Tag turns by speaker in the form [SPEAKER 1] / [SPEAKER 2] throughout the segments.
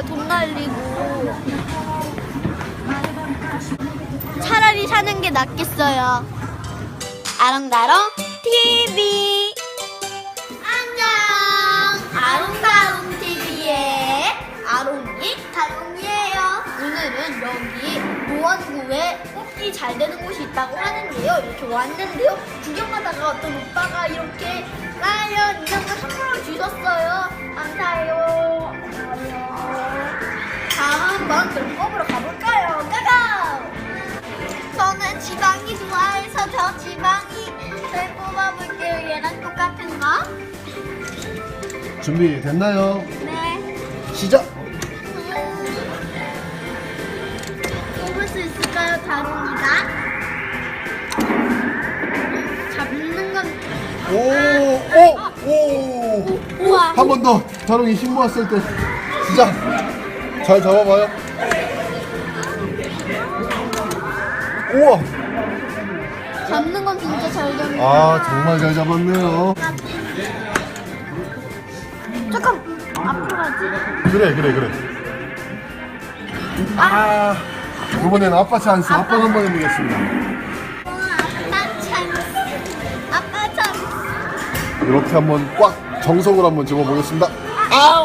[SPEAKER 1] 싶어요. 돈 날리고. 차라리 사는 게 낫겠어요. 아롱다롱 TV. 안녕. 아롱다롱 TV의 아롱이 다롱이에요. 오늘은 여기 노원구에 뽑기 잘 되는 곳이 있다고 하는데요. 이렇게 왔는데요. 구경하다가 어떤 오빠가 이렇게 라이언 인형을 선물로 주셨어요. 감사해요. 한번 그럼 뽑으러 가볼까요? 가가! 저는 지방이 좋아해서 저 지방이 잘 뽑아볼게요. 얘랑 똑같은 거.
[SPEAKER 2] 준비 됐나요?
[SPEAKER 1] 네.
[SPEAKER 2] 시작!
[SPEAKER 1] 뽑을 수 있을까요, 다롱이가? 잡는 건.
[SPEAKER 2] 오!
[SPEAKER 1] 우와.
[SPEAKER 2] 한 번 더! 자롱이 힘 모았을 때 시작! 잘 잡아봐요. 우와!
[SPEAKER 1] 잡는 건 진짜 잘 잡는.
[SPEAKER 2] 아, 정말 잘 잡았네요.
[SPEAKER 1] 조금 앞으로 가지.
[SPEAKER 2] 그래. 아, 이번엔 아빠 찬스. 아빠 한번 해보겠습니다.
[SPEAKER 1] 아빠 찬스. 아빠 찬스.
[SPEAKER 2] 이렇게 한번 꽉 정석으로 한번 집어보겠습니다.
[SPEAKER 1] 아우.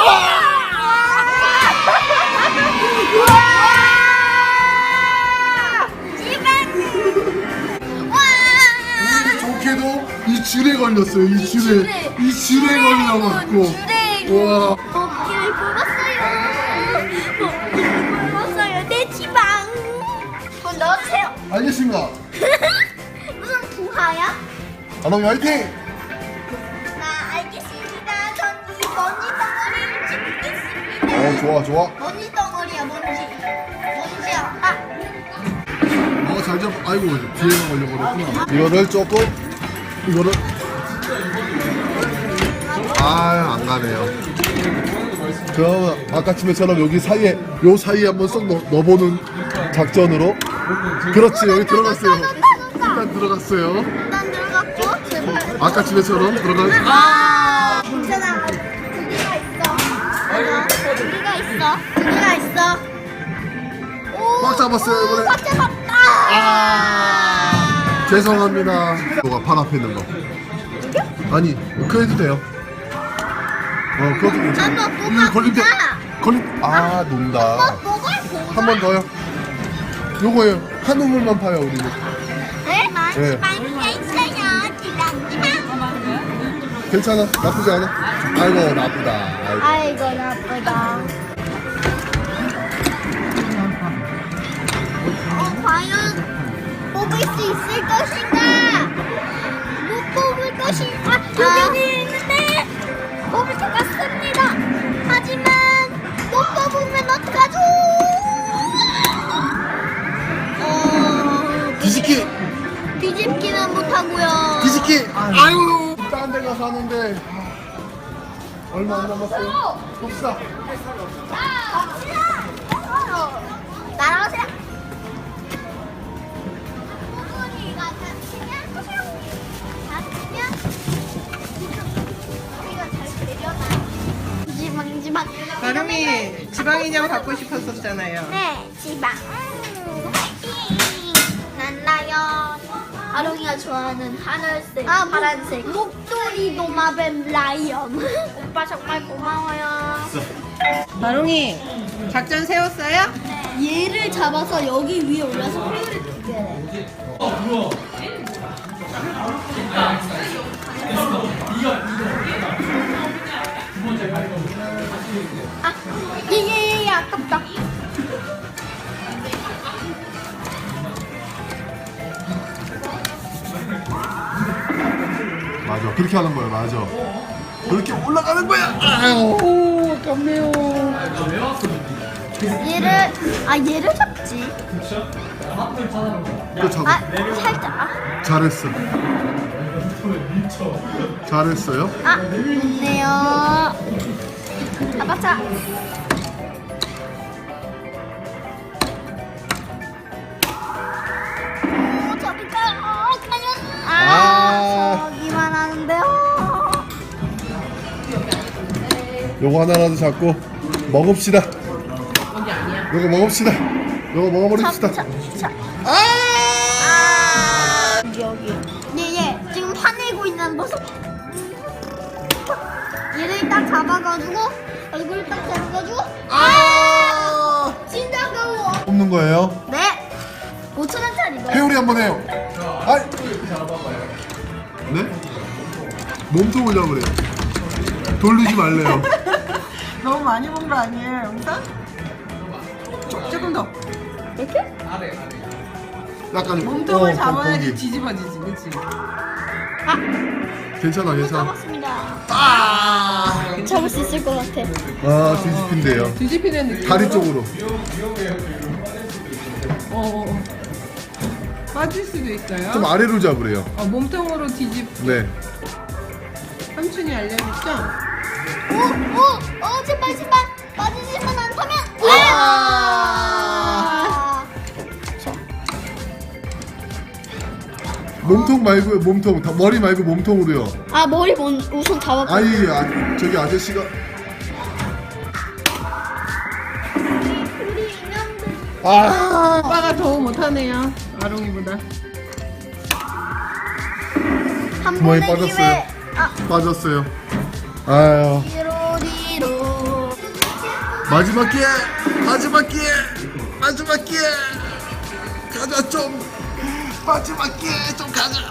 [SPEAKER 2] 좋게도 이 줄에 걸렸어요. 이 줄에 걸려갖고. 와.
[SPEAKER 1] 먹기를 굶었어요. 내 지방. 돈 넣어주세요.
[SPEAKER 2] 알겠습니다.
[SPEAKER 1] 무슨 부하야?
[SPEAKER 2] 아롱이 화이팅!
[SPEAKER 1] 나 알겠습니다. 전 이 먼지 덩어리를 집겠습니다.
[SPEAKER 2] 좋아.
[SPEAKER 1] 먼지 덩어리야, 먼지야. 아,
[SPEAKER 2] 잘 잡. 아이고, 뒤에가 걸려버렸구나. 이거를 조금, 이거를. 안 가네요. 그럼 아까쯤에처럼 여기 사이에, 요 사이에 한번 쏙 넣어보는 작전으로. 그렇지, 여기 들어갔어요. 일단 들어갔어요.
[SPEAKER 1] 일단 들어갔고, 제발.
[SPEAKER 2] 아까쯤에처럼 들어가.
[SPEAKER 1] 괜찮아. 두개가 있어. 두개가 있어. 오,
[SPEAKER 2] 꽉 잡았어요, 이번에.
[SPEAKER 1] 꽉 잡았다.
[SPEAKER 2] 죄송합니다. 너가 발 앞에 있는 거. 아니, 그 해도 돼요. 그것도 괜찮아.
[SPEAKER 1] 한번
[SPEAKER 2] 이거 걸림대.
[SPEAKER 1] 뽑아보자.
[SPEAKER 2] 논다.
[SPEAKER 1] 뭐가
[SPEAKER 2] 한 번 더요. 요거예요. 한 우물만 파요, 우리는.
[SPEAKER 1] 네?
[SPEAKER 2] 네.
[SPEAKER 1] 많이가 있어요. 지방이랑.
[SPEAKER 2] 괜찮아. 나쁘지 않아. 아이고, 나쁘다.
[SPEAKER 1] 아이고, 나쁘다. 과연 뽑을 수 있을 것인가? 못 뽑을 것인가? 여기 있는데 뽑을 것 같습니다. 하지만 못 뽑으면 어떡하죠?
[SPEAKER 2] 뒤집기!
[SPEAKER 1] 뒤집기는 못하고요.
[SPEAKER 2] 뒤집기! 아유! 딴 데 가서 하는데. 얼마 안 남았어요? 봅시다.
[SPEAKER 1] 날아오세요. 지방.
[SPEAKER 3] 아름이 지방 인형 갖고 싶었었잖아요.
[SPEAKER 1] 네, 지방. 화이팅! 난 라이언. 아롱이가 좋아하는 하늘색, 파란색. 목도리 도마뱀 라이언. 오빠 정말 고마워요.
[SPEAKER 3] 아롱이 작전 세웠어요?
[SPEAKER 1] 얘를 잡아서 여기 위에 올려서 회오리 뜯겨야 돼. 얘 아깝다.
[SPEAKER 2] 맞아. 그렇게 하는 거야. 맞아. 그렇게 올라가는 거야. 아유, 아깝네요.
[SPEAKER 1] 얘를 잡지.
[SPEAKER 2] 또 잡아.
[SPEAKER 1] 살짝.
[SPEAKER 2] 잘했어. 잘했어요.
[SPEAKER 1] 좋네요. 아빠 오, 저기가 과연. 저기만 하는데요.
[SPEAKER 2] 요거 하나라도 잡고 먹읍시다.
[SPEAKER 3] 여기 아니야.
[SPEAKER 2] 이거 먹읍시다. 이거 먹어버립시다.
[SPEAKER 1] 여기. 얘 지금 화내고 있는 모습. 얘를 딱 잡아가지고 얼굴을 딱 잡아가지고 진짜 가워.
[SPEAKER 2] 뽑는 거예요.
[SPEAKER 1] 네. 5,000원짜리.
[SPEAKER 2] 회오리 한번 해요. 아이. 네? 몸통을 잡으래요. 돌리지 말래요.
[SPEAKER 3] 너무 많이 본 거 아니에요, 영상? 조금 더.
[SPEAKER 1] 이렇게?
[SPEAKER 2] 약간
[SPEAKER 3] 몸통을 잡아야지
[SPEAKER 2] 거기.
[SPEAKER 3] 뒤집어지지, 그치?
[SPEAKER 2] 괜찮아, 괜찮아.
[SPEAKER 1] 잡았습니다.
[SPEAKER 2] 아,
[SPEAKER 1] 잡을 수 있을 것 같아.
[SPEAKER 2] 뒤집힌대요.
[SPEAKER 3] 뒤집히는 느낌.
[SPEAKER 2] 다리 쪽으로.
[SPEAKER 3] 빠질 수도 있어요.
[SPEAKER 2] 좀 아래로 잡으래요.
[SPEAKER 3] 몸통으로 뒤집.
[SPEAKER 2] 네.
[SPEAKER 3] 삼촌이 알려줬죠?
[SPEAKER 1] 제발 빠지지만 않다면.
[SPEAKER 2] 몸통 말고요, 몸통. 머리 말고 몸통으로요.
[SPEAKER 1] 머리 우선 잡았고.
[SPEAKER 2] 아니, 저기 아저씨가.
[SPEAKER 1] 우리 인형들.
[SPEAKER 3] 오빠가 더 못하네요. 아롱이보다.
[SPEAKER 1] 한
[SPEAKER 2] 뭐에
[SPEAKER 1] 번의
[SPEAKER 2] 빠졌어요?
[SPEAKER 1] 기회.
[SPEAKER 2] 빠졌어요. 아유.
[SPEAKER 1] 뒤로.
[SPEAKER 2] 마지막 기회! 마지막 기회! 마지막 기회! 가자, 좀! 마지막 기회 좀 가자!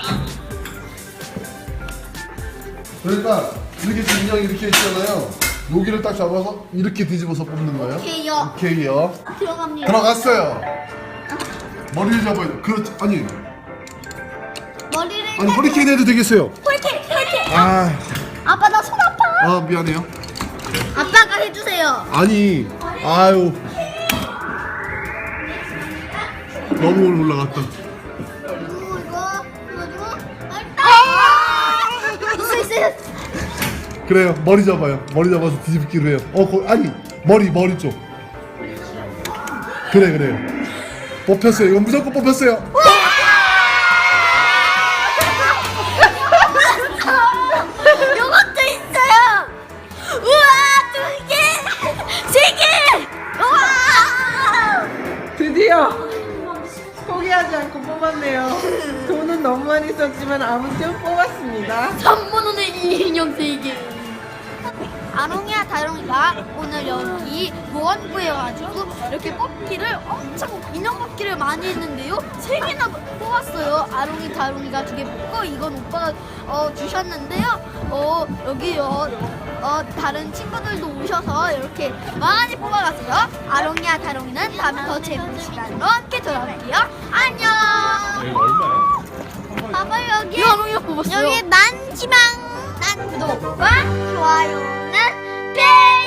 [SPEAKER 2] 그러니까, 이렇게 인형이 이렇게 있잖아요. 여기를 딱 잡아서 이렇게 뒤집어서 뽑는 거예요.
[SPEAKER 1] 오케이요.
[SPEAKER 2] 오케이요.
[SPEAKER 1] 들어갑니다.
[SPEAKER 2] 들어갔어요. 머리를 잡아야 돼. 그렇지. 아니
[SPEAKER 1] 머리를.
[SPEAKER 2] 허리케인 해도 되겠어요.
[SPEAKER 1] 홀케.
[SPEAKER 2] 아,
[SPEAKER 1] 아빠 나 손 아파.
[SPEAKER 2] 미안해요.
[SPEAKER 1] 아빠가 해주세요.
[SPEAKER 2] 아니, 아유. 너무 올라갔다.
[SPEAKER 1] 그리고 이거 있어.
[SPEAKER 2] 그래요. 머리 잡아요. 머리 잡아서 뒤집기로 해요. 아니, 머리 쪽. 그래요. 뽑혔어요. 이건 무조건 뽑혔어요.
[SPEAKER 1] 요것도 있어요. 우와, 2개, 3개. 우와.
[SPEAKER 3] 드디어 포기하지 않고 뽑았네요. 돈은 너무 많이 썼지만 아무튼 뽑았습니다.
[SPEAKER 1] 3만원에 이 인형 3개. 아롱이와 다롱이가 오늘 여기 보안부에 와가지고 이렇게 뽑기를 엄청 인형 뽑기를 많이 했는데요. 3개나 뽑았어요. 아롱이 다롱이가 2개 뽑고 이건 오빠가 주셨는데요. 여기요 다른 친구들도 오셔서 이렇게 많이 뽑아갔어요. 아롱이와 다롱이는 다음에 더 재밌는 시간으로 함께 돌아올게요. 안녕. 봐봐 여기 아롱이가 뽑았어요. 여기 난 지망 난 구독과 좋아요는 뿅.